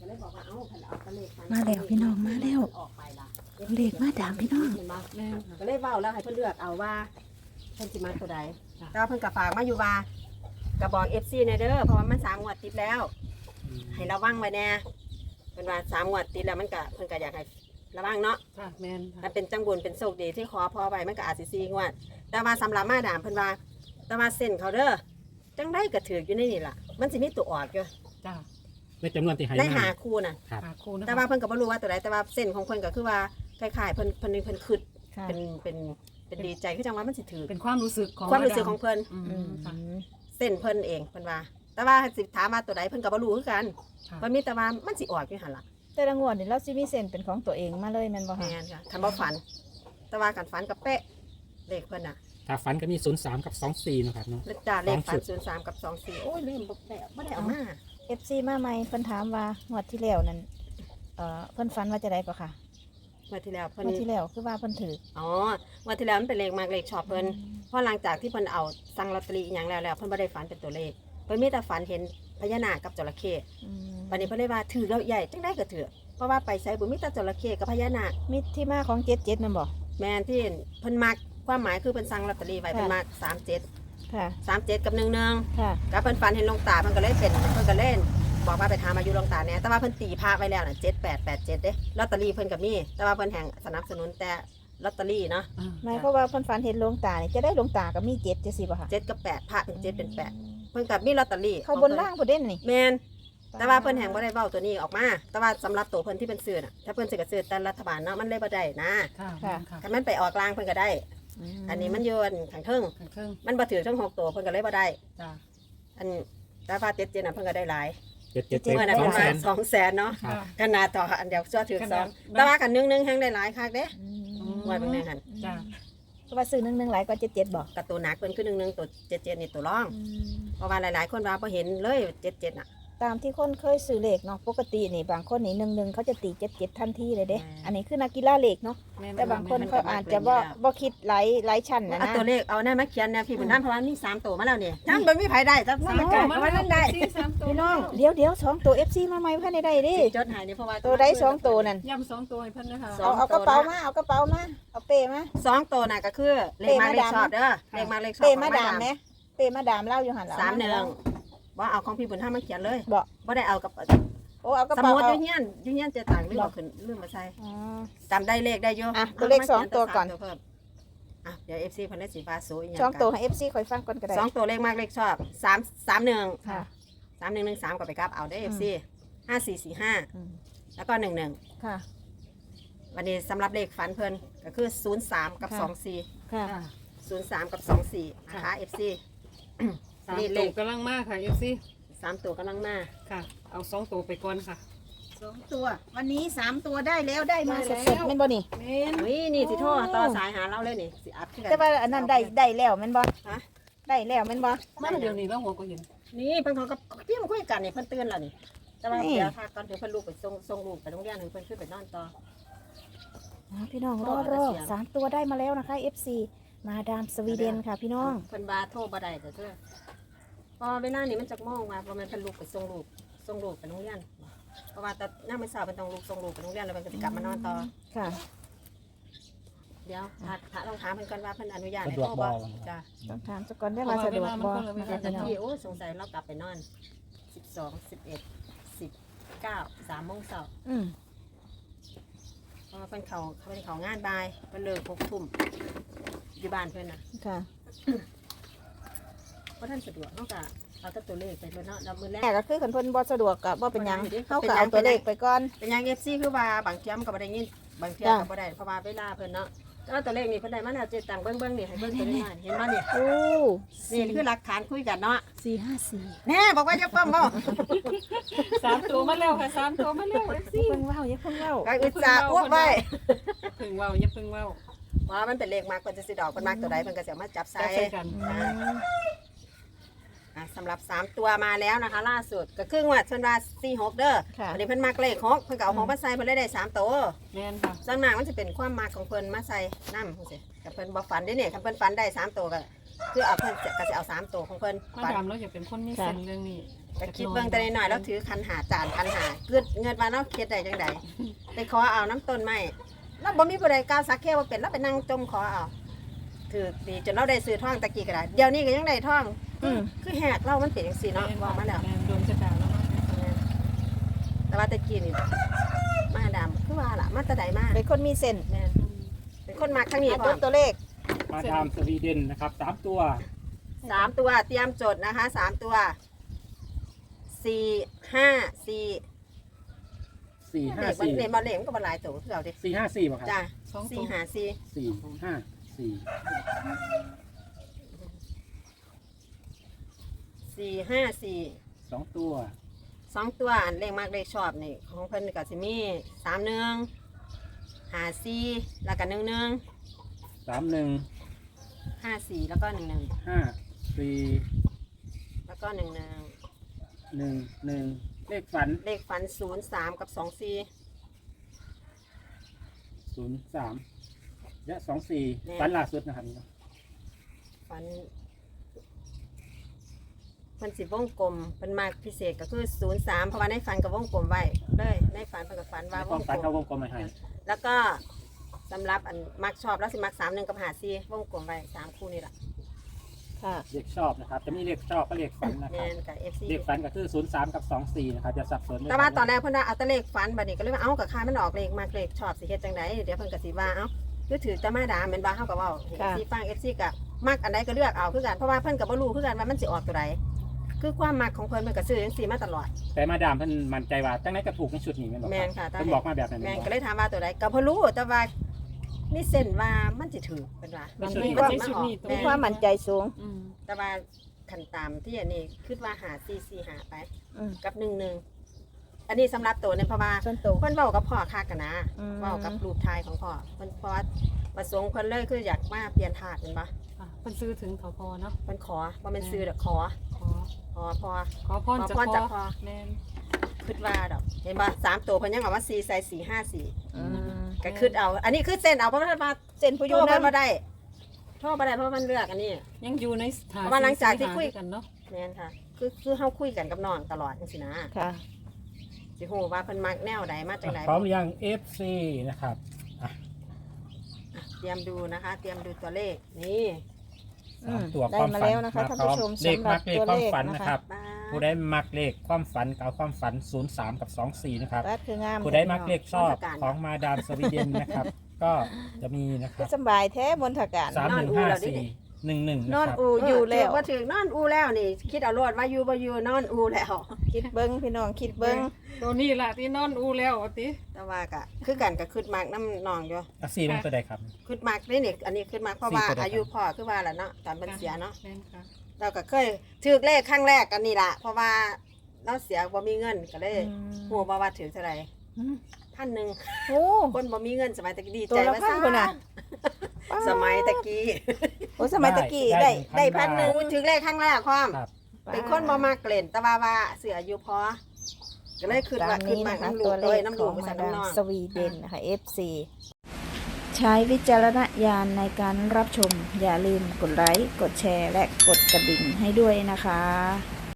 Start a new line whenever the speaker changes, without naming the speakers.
มาแล้วพี่น้องมาแล้วเลขมาดามพี่น้อง
ก็เลยเว้าแล้วให้เพิ่นเลือกเอาว่าเพิ่นสิมาตัวใดแต่ว่าเพิ่นก็ฝากมาอยู่ว่าก็บอก FC แน่เด้อเพราะว่ามัน3งวดติดแล้วให้ระวังไว้แน่เพิ่นว่า3งวดติดแล้วมันก็เพิ่นก็อยากให้ระวังเนาะ
ค่ะแม่น
ถ้าเป็นจังบุญเป็นโชคดีที่ขอพอไว้มันก็อาจสิ4งวดแต่ว่าสำหรับมาดามเพิ่นว่าแต่ว่าเส้นเขาเด้อจังได๋ก็ถืออยู่ในนี่ล่ะมันสิมีตัวออกอยู่
จ้า
ในจำนวนที่ให้
ได้
มา
หาคู่น่ะ
ครับ
หาครูนะ
แต่ว่าเพิ่นก็บ่รู้ว่าตัวใดแต่ว่าเส้นของเพิ่นก็คือว่าคล้ายๆเพิ่นคิด
ค่ะ
เป็นดีใจคือจังว่ามันสิถือ
เป็นความรู้สึกของ
ความรู้สึกของเพิ่น
อืมค่ะ
เส้นเพิ่นเองเพิ่นว่า แต่ว่าสิถามว่าตัวใดเพิ่นก็บ่รู้คือกัน
ค่ะ
เพิ่นมีแต่ว่ามันสิออกอยู่หั่นล่ะ
แต่ละงวดนี่เราสิมีเส้นเป็นของตัวเองมาเลยแม่นบ่คะ
แม่นค่ะคันบ่ฝัน แต่ว่ากันฝันกับเป๊ะเลขเพิ่นน่ะ
ถ้าฝันก็มี03กับ24นะครับเนาะ
เลขจ้าเลขฝัน
สองจุด
03กับ24โอ้ยลืมบ่ได้เอามา
FC มาใหม่เพิ่นถามว่างวดที่แล้วนั่นเพิ่นฝันว่าจะได้ก็ค่ะ
เมื่อที่แล้วเพิ่น
งวดที่แล้วคือว่าเพิ่นถือ
อ๋อเมื่อที่แล้วมันเป็นเลขมากเลขชอบเพิ่นเพราะหลังจากที่เพิ่นเอาสั่งลอตเตอรี่อหยังแล้วเพิ่นบ่ได้ฝันเป็นตัวเลขเพิ่นมีแต่ฝันเห็นพญานาคกับจระเข้
อืม
บัดนี้เพิ่นเลยว่าถือแล้วใหญ่จังได้ก็ถือเพราะว่าไปไสบ่มีแต่จระเข้กับพญานาค
มีที่มาของ77นั่นบ่
แม่นที่เพิ่นมักความหมายคือเพิ่นสั่งลอตเตอรี่ไว้
ค่ะ
เพิ่นมัก37
ค่ะ
37กับ11
ค่ะ
กับเพิ่นฝันเห็นหลวงตาเพิ่นก็เลยเป็นเพิ่นก็เล่นบอกว่าไปถามอายุหลวงตาแหน่แต่ว่าเพิ่นตีพระไว้แล้วน่ะ7887เด้ลอตเตอรี่เพิ่นก็มีแต่ว่าเพิ่นแห่งสนับสนุนแต่ลอตเตอรี่เนาะ
หมายความว่าเพิ่นฝันเห็นหลวงตานี่จะได้หลวงตาก็มี7จังซี่บ่คะ
7กับ8พระเป็น7เป็น8เพิ่นก็มีลอตเตอรี่
เข้าบนล่างบ่เด่นนี่
แม่นแต่ว่าเพิ่นแห่งบ่ได้เว้าตัวนี้ออกมา แต่ว่าสำหรับตัวเพิ่นที่เพิ่นซื้อน่ะถ้าเพิ่นสิก็ซื้อแต่รัฐบาลเนาะมันเลยบ่ได้นะ
ค่ะ
ค่ะ
ค่ะ
ถ้ามันไปออกกลางเพิ่นก็ได้ อันนี้มันอยู่ข้างเทิง
เครื่อง
มันบ่ถือทั้ง6ตัวเพิ่นก็เลยบ่ได้
จ้า
อันแต่ว่า7น่ะเพิ่นก็ได้หลาย
77
เมื่อนั้น
2
ประ
แส
มาณ
น
200,000เนาะ
ครับ
ขนาดต่ออันเดียวชั่วถือสองแต่ว่ากันนึงแฮงได้หลายคักเด้งวดเบิ่งแน่หั่น
จ้า
เพราะว่าซื้อ1หลายกว่า77บ่
กับตัวหนักเพิ่นคือ1ตัว77นี่ตัวรอง เพราะว่าหลายๆคนว่าบ่เห็นเลย77น่ะ
ตามที่คนเคยซื้อเลขเนาะปกตินี่บางคนนี่11เขาจะตี77ทันทีเลยเด้ อันนี้คือนักกีฬาเลขเนาะ
แม่น
แต่บางคนเขาอาจจะบ่คิดหลายชั้นนะ
เอา
นะ
ตัวเลขเอาแน่มาเขียนแนวพี่บุญน้ำเพราะว่ามี3ตัวมาแล้วนี่จังบ่มีไผได้จังบ่มีไผก็ได้
พี่น้องเดี๋ยว2ตัว FC มาใหม่พันได้เดิ
จดหายนี่เพราะว่า
ตัวใด2ตัวนั่น
ย่ำ2ตัวให้เพิ่นนะคะ
เอากระเป๋ามาเอากระเป๋ามาเอาเป้มา
2ตัวน่ะก็คือเลขมาเลขชอบเด้อเลขมาเลขชอบ
เป้มาดามแหมเป้มาดามเล่าอยู่หั่นล่ะ
31บ่เอาของพี่บุญน้ำมาเขียนเลย
บ่
บ่ได้เอากับ
โอ้เอากระ
ส
เป๋า
มุด
เอา
อยู่เฮียนเจตังลืมเอาขึ้นลืมมาใส่
อ๋อ
จำได้เลขได้อยู่
อ่ะตัวเลข2ตัวก่อน
เพิ่มอ่ะเดี๋ยว FC เพิ่นได้สีฟ้าสวยอีหยัง
สองตัวให้ FC ค่อยฟังก่อนก็ได้
สองตัวเลขมากเลขชอบ331
ค่ะ
3113ก็ไปกลับเอาได้ FC 5445
อืม
แล้วก็11
ค่ะ
วันนี้สำหรับเลขฝันเพิ่นก็คือ03กับ
ค่ะ
24
ค่ะ
ค่ะ
03กับ24นะคะ FC
สาม
นี่เล
ตัว
ข
กำลังมากค่ะFC
3ตัวกำลังมา
ค่ะ เอา2ตัวไปก่อนค่ะ
2ตัว วันนี้3ตัวได้แล้วได้มา
ได้
ส
แล้ว
ดๆแม่นบ่นี่
แม่น
อุ้ยนี่สิโทรต่อสายหาเราเลยนี่สิอัดขึ้นกัน
แต่ว่าอันนั้นได้แล้วแม่นบ่
ฮะ
ได้แล้วแม่นบ่
มาเดี๋ยวนี้แล้วหัวก็เห็น
นี่เพิ่นเขากับพี่มาคุยกันนี่เพิ่นเตือนแล้วนี่แต่ว่า
นี่
เดี๋ยวถ้าก่อนเดี๋ยวเพิ่นลูกไปส่งลูกไปโรงเรียนให้เพิ่นขึ้นไปนอนต่อ
พี่น้อง
พ่
ร
อ
อ
เกษียณ
สามตัวได้มาแล้วนะคะ FC มาดามสวีเดนค่ะพี่น้อง
เพิ่นว่าโทรบ่ได้แต่เด้อพอเวลานี้มันจักมองว่าบ่แม่นเพิ่นลูกไปส่งลูกไปโรงเรียนเพราะว่าแต่ยามมื้อเช้าเพิ่นต้องลูกส่งลูกไปโรงเรียนแล้วเพิ่นก็สิกลับมานอนต่อ
ค่ะ
เดี๋ยวถ้าลองถามเพิ่นก่อนว่าเพิ่นอนุญาตให้
สะดวก
โทรบ่
บ่
จ้ะ
ต้องถามสักก่อนได้มาสะดวกบ่นะคะ
แต่
พี่น้อง
ที่โอ้สงสัยเรากลับไปนอน12 11 19 3โมงเช้า
อืม
เพราะว่าเพิ่นเขางานบ่ายเพิ่นเลิก6ทุ่มอยู่บ้านเพิ่นน่ะ
ค่ะ
เพราะท่านสะดวกเนาะก็เอาแต่ตัวเลขไปเลยเนาะแล้วมื้อแร
แต่
ก
ก็คือคันเพิ่นบ่สะดวกก็บ่เป็นหยัง
เป็นหยัง
เฮาก็เอาตัวเลขไปก่อน
เป็นหยัง FC คือว่าบางเที่ยมก็บ่ได้ยินบางเที่ย
จ้ะ
ก็บ่ได้เพราะว่าเวลาเพิ่นเนาะแล้วตัวเลขนี่เพิ่นได้มาแล้วเจ็ดตังค์เบิ่งนี่ให้เบิ่งตัวนี้มาเห็นบ่นี่
โอ้
นี่คือหลักฐานคุยกันเนาะ
454
แน่บอกว่าจะเพิ่มบ่
3ตัวมาแล้วค่ะ3ตัวมาแล้ว FC
เพิ่งเว้าอย่าเพิ่งเว้า
ก็อุตส่าห์อ้วกไว้
เพิ่งเว้าอย่าเพิ่งเว้า
ว่ามันเป็นเลขมากเพิ่นจะสิดอกเพิ่นมักตัวใดเพิ่นก็สิเอามาจับใส่
จับใส่กัน
สำหรับ3ตัวมาแล้วนะคะ ล่าสุดก็คืองวดเพิ่นว่า46เด้อ
ค่ะ
อันนี้เพิ่นมักเลข6เพิ่นก็เอาของมาใส่เพิ่นเลยได้3ตัว
แม่นค่ะ
ส่วนมากมันจะเป็นความมักของเพิ่นมาใส่น้ำจังซี่กับเพิ่นบ่ฝันเด้เนี่ยคันเพิ่นฝันได้3ตัวก็คือเอาเพิ่นก็สิเอา3ตัวของเพิ่น
มา
ฝัน
ดามเราอยากเป็นคนมีเส้นเรื่องนี้
ก็คิดเบิ่งแต่น้อยๆแล้วถือคันหาจานคันหาเกิดเงินมาเนาะเฮ็ดได้จังได๋ไปขอเอาน้ำต้นไม้แล้วบ่มีผู้ใดกล้าสักแค่ว่าเป็นแล้วไปนั่งจมขอเอาถือดีจนเราได้ซื้อท่องตะกี้ก็ได้เดี๋ยวนี้ก็ยังได้ท่อง คือแหกเรามันเป็นจังซี่เนาะบอกมาแล้ว
ดวงชะตาแล้วเนาะ
แต่ว่าตะกี้นี่มาดำคือว่าล่ะมาแตะใดมา
เป็นคนมีเส้น
แม่นเป็นคนมักทั้งนี้
อ่ะ
พ
จ
ร้อ
ด
ม
ตัวเลข
มาดามสวีเดนนะครับ3ตัว
3ตัวเตรียมจดนะคะ3ตัว4 5 4
4
เด็ก
5 4
เด็กบ่เล่มก็บ่หลายตัวคือเอาเด้
4 5 4ป่ะครับ
จ้า
สองตัว
4 5 4
4 5
4 5 4
4 2ตัว
2ตัวอันเลขมากเลขชอบนี่ของเพิ่นก็สิมี3 1 5 4แล้วก็1 1
3 1
5 4แล้วก็1 1
5 4
แล้วก็1 1
1 1เลขฝัน
เลขฝัน0 3กับ2 4
03 และ 24ฝันล่าสุดนะครับนี่เนาะ
ฝันมันสิวงกลมเป็นมากพิเศษก็คือ03เพราะว่าในฝันกับวงกลมไว้เลยในฝันเพิ่นก็ฝันว่า
ใน
ว
ความ
ง
ฝัน
กล
เขาว
ม
งกลมมาให้
แล้วก็สำหรับอันมักชอบแล้วสิมัก31กับ54วงกลมไว้3คู่นี่ล่ะ
ค่ะ
เลขชอบนะครับ จะมีเลขชอบก็เลขฝันนะค
แม่
รับ
นกับ FC
เลขฝันก็คือ 03 กับ 24 นะครับจะสับสนเลย
แต่ว่าตอนแรกเพิ่นว่าเอาแต่เลขฝันบัดนี้ก็เลยว่าเอ้ากับค่ามันออกเลขมากเลขชอบสิเฮ็ดจังไดเดี๋ยวเพิ่นก็สิว่าเอ้าคือถือจะมาด่าแม่นว่าเฮาก็เว้าให้ FC ฟัง FC ก็มักอันใดก็เลือกเอาคือกันเพราะว่าเพิ่นก็บ่รู้คือกันว่ามันสิออกตัวใดคือความมักของเพิ่นมันก็ซื้อจังซี่มาตลอด
แต่มาดามเพิ่นมั่นใจว่าจังไหนก็ถูกในชุดนี้แม่นบ่
แม่
ครับ
นค่ะ
เพิ่นบอกมาแบบนั้น
แม่น
บ่
ก็เลยถามว่าตัวใดก็บ่รู้แต่ว่านี่เส้นว่ามันสิถือเป็นว่า
มัน
ใน
มี
ใน
ความ
ชุดนี้ตัว
มีความมั่นใจสูง
อืม
แต่ว่าขันตามที่อันนี้คิดว่าหา4 4หาไป
อืม
กับ1 1อันนี้สำหรับตัวเนี่ยเพราะว่า
ส่วนตัว
เพิ่นเว้ากับพ่อคักกันนะ
อืม
เว้ากับรูปถ่ายของพ่อเพิ่นเพราะว่าประสงค์เพิ่นเลยคืออยากมาเปลี่ยนถาดเห็นปะ
ค่ะเพิ่นซื้อถึงทพเนาะ
เพิ่นขอว่ามันซื้อดอกขอ
ขอ
พ่อ
ขอพร
ขอ
จาก
พรจาก
พ่
พ่
อ
อ
แม่น
คิดว่าดอกเห็นปะ3ตัวเพิ่นยังบอกว่า4ใส่4 5
อืม
4ก็คิดเอา อันนี้คือเส้นเอาเพราะว่ามา
เส้นผู้อ
โท
ยู่
ร
นั่
เพิ่
น
นบ่ได้โทรบ่ได้เพราะมันเลือกอันนี้
ยังอยู่ในสถาน
เพราะว่าหลังจากที่คุย
กันเนาะ
แม่นค่ะ คือเฮาคุยกันกับน้องตลอดจังซี่นะ
ค่ะ
สิฮู้ว่าเพิ่นมักแนวใดมาจังได
พร้อมหรือยัง FC นะครับ
เตรียมดูนะคะ เตรียมดูตัวเลขนี่
อืม
3ตัว
ได้
ความ
มา
ฝัน
แล้วนะคะท่านผู้ชม
เลข
สำหรั
มั
บ
กเลข
ตัว
ความ
เลข
ฝัน
นะ
นะ
คะ
ครับ
บ้า
ผู้ได้มักเลขความฝันกับความฝัน 03 กับ 24 นะครับ
รัดคืองาม
ผู้ได้มักเลขชอบของมาดามสวีเดนนะครับ ก็จะมีนะค
คื
รั
อบ สำบายแท้บนถการ
3154 11
น
นะ
อน
ครับ
อูอยู่แล้ว
ว่าถึงนอนอูแล้วนี่ คิดเอาโลดว่าอยู่บ่อยู่นอนอูแล้ว
คิดเบิ้งพี่น้องคิดเบิ้ง
ตัวนี้ล่ะที่นอนอูแล้วว่าติ
แต่ว่าก็คือกันก็คิดมากน้ำนองอยู่
อ่ะ4เป็นตัวใดครับ
คิดมากนี่นี่อันนี้คิดมากเพราะว่า
สี่ตัวใด
อายุพ่อคือว่าล่ะเนาะตอนมันเสียเนาะ
แม่นค่ะ
เราก็เคยถือเลขครั้งแรกกันนี่ล่ะเพราะว่าเราเสียบ่มีเงินก็เลยฮู้บ่ว่าถือเท่าไหร่
อืม
1,000
โอ้
คนบ่มีเงินสมัยตะกี้ดี
ตัว
ใจ
ละ
ว่า
พันคนน่ะ
สมัยตะกี้
โอ้สมัยตะกี้ได้พันหนึ่ง
ถือเลขครั้งแรกความ
ครับ
เป็นคนบ่มากเกล่นแต่ว่าเสืออายุพอก็เลยขึ้น
ตา
ว่าม ขึ้น
นี้
มา
นะคะ
น้ำลู
ตั
ก
วเล
เลย
ข
น้ำ
ข
ลู
อก ง
ไป
มา
ใส่
ดาม
น้ำนอง
สวีเดนนะคะ FC ใช้วิจารณญาณในการรับชม อย่าลืมกดไลค์ กดแชร์ และกดกระดิ่งให้ด้วยนะคะ